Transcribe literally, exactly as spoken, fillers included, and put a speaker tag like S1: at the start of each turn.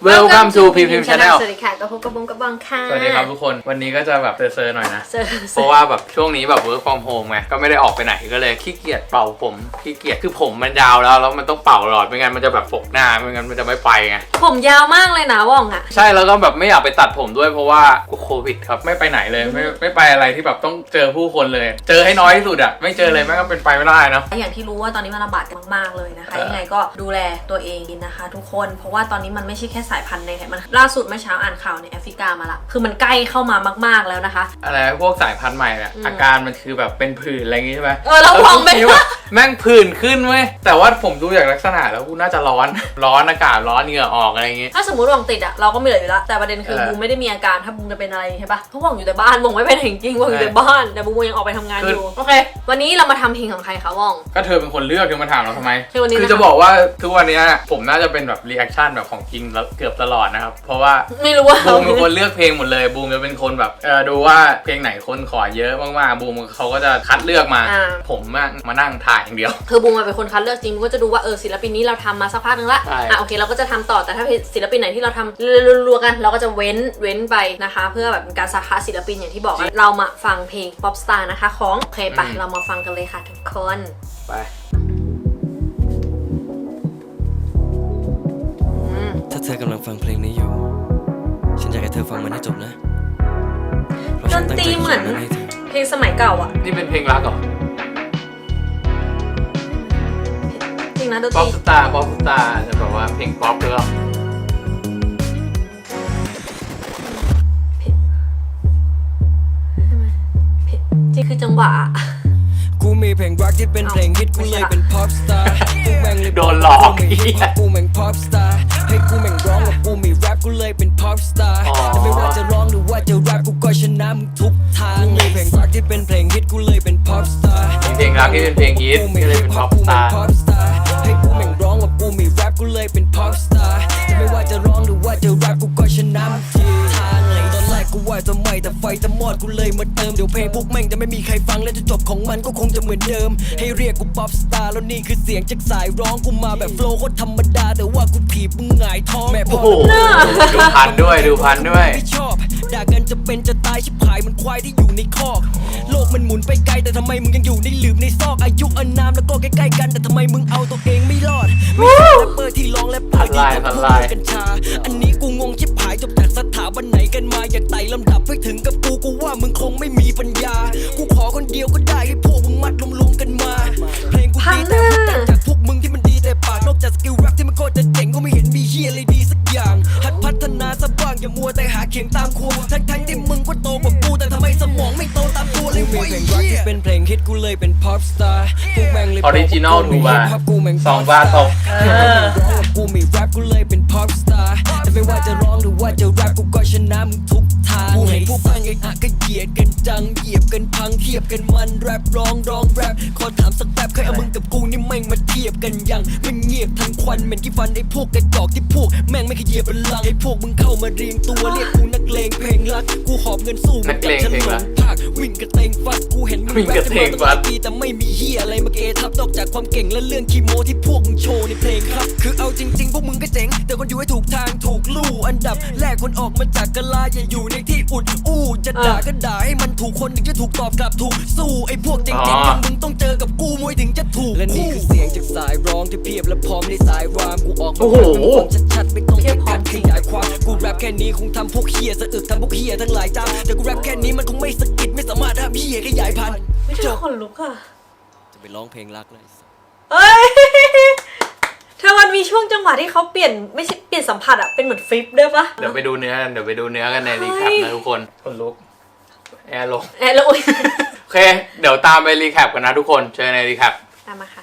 S1: Welcome to พี พี เอ็ม Channel
S2: สวัสดีค่ะกับพบกับบุ้งกับบังค่ะ
S1: สวัสดีครับทุกคนวันนี้ก็จะแบบเซอร์ๆหน่อยนะ
S2: เซอร์
S1: เพราะว่าแบบช่วงนี้แบบ work from home ไงก็ไม่ได้ออกไปไหนก็เลยขี้เกียจเป่าผมขี้เกียจคือผมมันยาวแล้วแล้วมันต้องเป่าตลอดไม่งั้นมันจะแบบปกหน้าไม่งั้นมันจะไม่ไปไง
S2: ผมยาวมากเลยนะว่องอ่ะ
S1: ใช่แล้วก็แบบไม่อยากไปตัดผมด้วยเพราะว่าโควิดครับไม่ไปไหนเลยไม่ไม่ไปอะไรที่แบบต้องเจอผู้คนเลยเจอให้น้อยที่สุดอ่ะไม่เจอเลยแม่งก็เป็นไปไม่ได้นะ
S2: อย่างที่รู้ว่าตอนนี้มันระบาดกันมากๆเลยนะคะยังไงก็ดูแลตัวเองนะคะทุกคนเพราะว่าตอนนี้มันไม่ใช่แค่สายพันธุ์ในไทยมันล่าสุดเมื่อเช้าอ่านข่าวในแอฟริกามาละคือมันใกล้เข้ามามากๆแล้วนะคะ
S1: อะไรพวกสายพันธุ์ใหม่เนี่ยอาการมันคือแบบเป็นผื่นอะไรอย่างงี้ใช่ไหม
S2: เออเราลองไป
S1: แม่งผื่นขึ้นเว้ยแต่ว่าผมดูจากลักษณะแล้วกูน่าจะร้อนร้อนอากาศร้อนเหงื่อออกอะไรอย่างงี้
S2: ถ้าสมมติว่องติดอ่ะเราก็ไม่เหลืออยู่แล้วแต่ประเด็นคือบูมไม่ได้มีอาการถ้าบูมจะเป็นอะไรใช่ปะเพราะว่องอยู่แต่บ้านว่องไม่เป็นจริงๆว่องอยู่แต่บ้านแต่บูมยังออกไปทำงานอยู่โอเควันนี้เรามาทำเพลงของใครคะว่อง
S1: ก็เธอเป็นคนเลือกเธอมาถามเราทำไม
S2: คื
S1: อจะบอกว่าทุกวันนี้ผมน่าจะเป็นแบบรีแอคชั่นแบบของจริงเกือบตลอดนะครับเพราะว่า
S2: ไม่รู้ว่า
S1: บูมเป็นคนเลือกเพลงหมดเลยบูมจะเป็นคนแบบเออดูว่าเพลงไหนคนขอเยอะมากๆบูมเขาก็จะคัดเลือกมาผมมานั่งถ่ายอย่างเดียว
S2: คือบูมเป็นคนคัดเลือกจริงบูมก็จะดูว่าเออศิลปินนี้เราทำมาสักพักนึงละอ่ะโอเคเราก็จะทำต่อแต่ถ้าศิลปินไหนที่เราทำรัวๆกันเราก็จะเว้นเว้นไปนะคะเพื่อแบบการสาขาศิลปินอย่างที่บอกเรามาฟังเพลง Pop Star นะคะของโอเคไปเรามาฟังกันเลยค่ะทุกคน
S1: ไป
S3: ถ้าเธอกำลังฟังเพลงนี้อยู่ฉันอยากให้เธอฟังมันให้จบนะ
S2: ดนตรีเหมือนเพลงสมัยเก่าอ่ะ
S1: นี่เป็นเพลงรักเหรอ
S2: จริงนะดนตรี
S1: Pop Star Pop Star จะบอกว่าเพลงป๊อปหรือเปล่า
S2: จริงคือจังหวะ
S3: กูมีเพลงรักที่เป็นเพลงฮิตกูเลยเป็น Pop Star กูแม่งเลย
S1: โดนหลอก
S3: กูแม่ง Pop Star ให้กูแม่งร้องกับกูมีแรปกูเลยเป็น Pop Star แต่ไม่ว่าจะร้องหรือว่าจะแรปกูก็ชนะมึงทุกทางมีเพลงรักที่เป็นเพลงฮิตกูเลยเป็น Pop Star
S1: เพลงรักที่เป็นเพลงฮิตก็เลยเป็น Pop Star
S3: ให้กูแม่งร้องกับกูมีแรปกูเลยเป็น Pop Star แต่ไม่ว่าจะร้องหรือว่าจะแรปกูก็ชนะมึงทุกทางเลยตอนแรกกูว่าจะไม่แต่ไฟจะมอดกูเลยมาเติมเดี๋ยวเพลงพวกแม่งจะไม่มีใครฟังและจะจบของมันก็คงจะเหมือนเดิมให้เรียกกูป๊อปสตาร์แล้วนี่คือเสียงจากสายร้องกูมาแบบโฟล์โคตรธรรมดาแต่ว่ากูถีบมึงหงายท้องแม่พ่อ
S1: ดูพันด้วยดูพันด้วย
S3: ไม่ชอบด่ากันจะเป็นจะตายชิบหายมันควายที่อยู่ในคอกโลกมันหมุนไปไกลแต่ทำไมมึงยังอยู่ในหลืบในซอกอายุอานามแล้วก็ใกล้ๆกันแต่ทำไมมึงเอาตัวเองไม่รอดไม่ใช่แรปเปอร์ที่ร้องและเปิดที่พูดกัญชาอันนี้กูงงชิบหายจบจากสถาบันไหนกันมาอยากไต่ลำดับให้ถึงกับกูกูว่ามึงคงไม่มีปัญญากูขอคนเดียวก็ได้ให้พวกมึงมัดรวมๆกันมาเพลงกูดีแต่กูแต่งจากพวกมึงที่มันดีแต่ปากนอกจากสกิลแรปที่มันโคตรจะเจ๋งก็ไม่เห็นมีเฮียอะไรดีสักอย่างหัดพัฒนาซะบ้างอย่ามัวแต่หาเขียงตามครูทั้งๆที่มึงก็โตกว่ากูแต่ทำไมสมองไม่โตตามตัวเลยเว้ยเพลงรักที่เป็นเพลงฮิตกูเลยเป็น Pop Star พวกแม่งเลย
S1: ออริจินอลถูกป่ะสองบาทตก
S3: กูมีแรปกูเลยเป็น Pop Star แต่ไม่ว่าจะร้องหรือว่าจะแรปกูก็ชนะมึงทุกทางกูเห็นพวกฟังไอ้อะก็เหยียดกันจังเหยียบกันพังเทียบกันมันแรปร้องร้องแรปขอถามสักแป๊บเคยเอามึงกับกูนี่แม่งมาเทียบกันยังมันเงียบทั้งควันเหม็นกี่ฟันไอ้พวกกระจอกที่พวกแม่งไม่เคยเหยียบบัลลังก์ไอ้พวกมึงเข้ามาเรียงตัวเรียกกูนักเลงเพลงรักกูหอบเงินสู้มึงกับฉันหลงภาควิ่งกระเตงฟัดกูเห็นมึงแรปกันมาตั้งปีแต่ไม่มีเฮียอะไรมาเกทับนอกจากความเก่งและเรื่องคีโมที่พวกมึงโชว์ในเพลงครับคือเอาจริงๆพวกมึงก็เจ๋งแต่คนอยู่ให้ถูกทางถูกลู่อันดับแรกคนออกมาจากกะลาอย่าอยู่ในที่อุดอู้จะด่าก็ด่าให้มันถูกคนถึงจะถูกตอบกลับถูกสู้ไอ้พวกเจ๋งๆอย่างมึงต้องเจอกับกูมวยถึงจะถูกและนี่คือเสียงจากสายร้องที่เพียบและพร้อมในสายรามกูออกมาเป็นชัดๆไม่ต้องไปการขยายความกูแรปแค่นี้คงทำพวกเฮียสะอึกทำพวกเฮียทั้งหลายจ้าแต่กูแรปแค่นี้มันคงไม่สะกิดไม่สามารถทำเฮียขยายพันธุ์
S2: ไม่ใช่คนลุกอะ
S3: จะไปร้องเพลงรักเลย
S2: เอ้ยเธอมันมีช่วงจังหวะที่เขาเปลี่ยนไม่ใช่เปลี่ยนสัมผัสอะเป็นเหมือนฟลิปด้วยปะ
S1: เดี๋ยวไปดูเนื้อกันเดี๋ยวไปดูเนื้อกันในรีแคปนะทุกคนคนลุกแอร์ลง
S2: แอร์ลง
S1: โอเคเดี๋ยวตามไปรีแคปกันนะทุกคนเจอในรีแคป
S2: ตามมาค่ะ